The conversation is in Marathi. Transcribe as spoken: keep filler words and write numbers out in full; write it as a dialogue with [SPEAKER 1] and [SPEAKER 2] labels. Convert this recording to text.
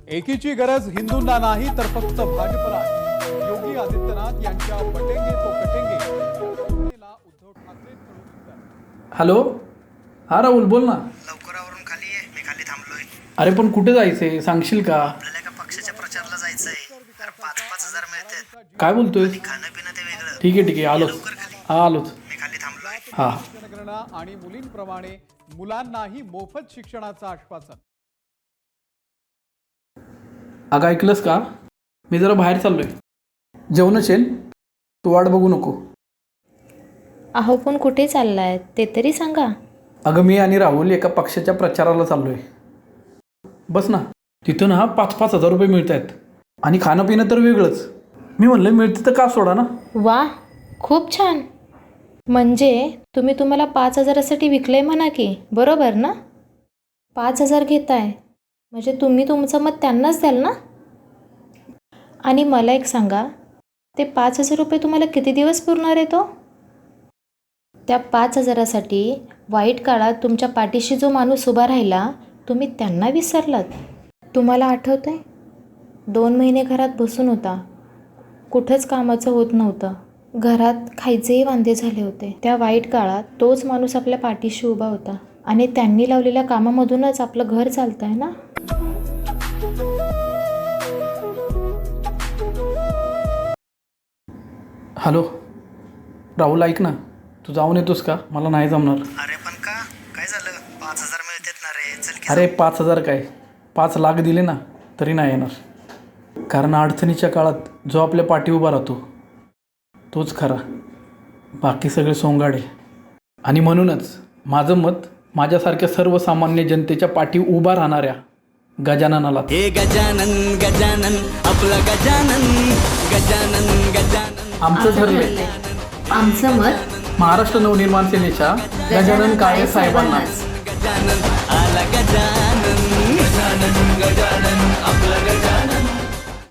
[SPEAKER 1] एकीची गरज हिंदूंना नाही तर फक्त भाजपला आहे. योगी आदित्यनाथ यांच्या बटेंगे तो कटेंगे या उद्धव ठाकरेंकडून उत्तर.
[SPEAKER 2] हॅलो, हा राहुल बोल ना.
[SPEAKER 3] लवकर आवरून खाली ये, मी खाली थांबलोय.
[SPEAKER 2] अरे पण कुठे जायचंय सांगशील का?
[SPEAKER 3] आपल्याला एका पक्षाच्या प्रचारला जायचंय. अरे पाच पाच हजार मिळतात.
[SPEAKER 2] काय बोलतोय?
[SPEAKER 3] खाणं पिणं ते वेगळं.
[SPEAKER 2] ठीक आहे ठीक आहे आलोच.
[SPEAKER 3] लवकर खाली.
[SPEAKER 2] हा आलोच.
[SPEAKER 3] मी खाली थांबलोय.
[SPEAKER 2] हा
[SPEAKER 1] शिक्षणगणना आणि मुलींप्रमाणे मुलांनाही मोफत शिक्षणाचं आश्वासन.
[SPEAKER 2] अगं ऐकलंस का? मी जरा बाहेर चाललोय. जेवण असेल, तू वाट बघू नको.
[SPEAKER 4] अहो पण कुठे चाललाय ते तरी सांगा.
[SPEAKER 2] अगं मी आणि राहुल एका पक्षाच्या प्रचाराला चाललोय. बस ना, तिथं ना पाच पाच हजार रुपये मिळत आहेत आणि खाणं पिणं तर वेगळंच. मी म्हणलं मिळते तर का सोडा ना.
[SPEAKER 4] वा, खूप छान. म्हणजे तुम्ही तुम्हाला पाच हजारासाठी विकलंय म्हणा की, बरोबर ना? पाच हजार घेताय म्हणजे तुम्ही तुमचं मत त्यांनाच द्याल ना? आणि मला एक सांगा, ते पाच हजार रुपये तुम्हाला किती दिवस पुरणार आहे तो? त्या पाच हजारासाठी वाईट काळात तुमच्या पाठीशी जो माणूस उभा राहिला, तुम्ही त्यांना विसरलात. तुम्हाला आठवतं आहे? दोन महिने घरात बसून होता, कुठंच कामाचं होत नव्हतं, घरात खायचेही वांदे झाले होते. त्या वाईट काळात तोच माणूस आपल्या पाठीशी उभा होता आणि त्यांनी लावलेल्या कामामधूनच आपलं घर चालतं आहे ना.
[SPEAKER 2] हॅलो राहुल, ऐक ना, तू जाऊन येतोस का? मला नाही जमणार.
[SPEAKER 3] अरे पण का? काय झालं? पाच हजार मिळतात ना रे. चल की.
[SPEAKER 2] अरे पाच हजार काय, पाच लाख दिले ना तरी नाही येणार. कारण अडचणीच्या काळात जो आपल्या पाठी उभा राहतो तोच खरा, बाकी सगळे सोंगाडे. आणि म्हणूनच माझं मत माझ्यासारख्या सर्वसामान्य जनतेच्या पाठी उभा राहणाऱ्या गजाननाला.
[SPEAKER 5] हे गजानन गजानन आपला गजानन गजानन गजानन
[SPEAKER 2] आमचं ठरलंय,
[SPEAKER 4] आमचं मत
[SPEAKER 2] महाराष्ट्र नवनिर्माण सेनेच्या गजानन काळे साहेबांना.
[SPEAKER 5] गजानन आला